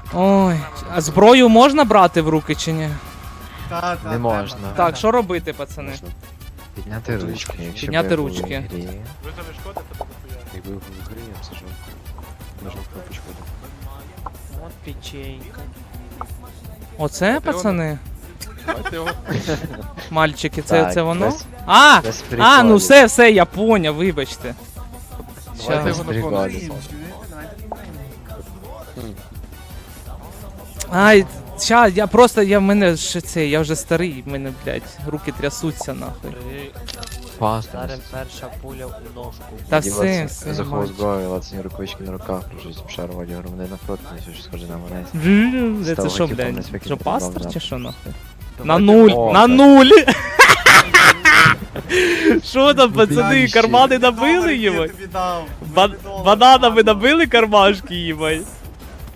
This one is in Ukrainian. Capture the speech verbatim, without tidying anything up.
Ой, а зброю можна брати в руки чи ні? Та, та, Не можна. Так, що робити, пацани? Можна підняти ручки, якщо Підняти б я був ручки. в грі. Визовеш код, це буде хуя. Якби був в грі, я б зажав. Нажав кнопочку. От печенька. Оце, пацани? Давайте його. Мальчики, це, Так, це воно? без- А! Без А, ну приколів. все, все, я поняв, вибачте. Давайте Щас. його на Прикольно. фон. Чуєте? Давайте піднімемо. Ай, ща, я просто, я в мене ще це, я вже старий, в мене, блядь, руки трясуться нахуй. При... Пасно. Зараз перша пуля у ножку. Та все, все, Заховав мальчик. зброю, лацані рукавички на руках, прожить обшару одягу. Вони напроти, не щось схоже на мене. Це що, Ставити блядь, повністю що викинути пастор назад. чи що нахуй? На Давайте нуль, О, на так. нуль! Що там, пацани, Блядь, кармани Доларів набили, я їбать? тобі дав. Ба- Доларів. Бананами набили кармашки, їбать?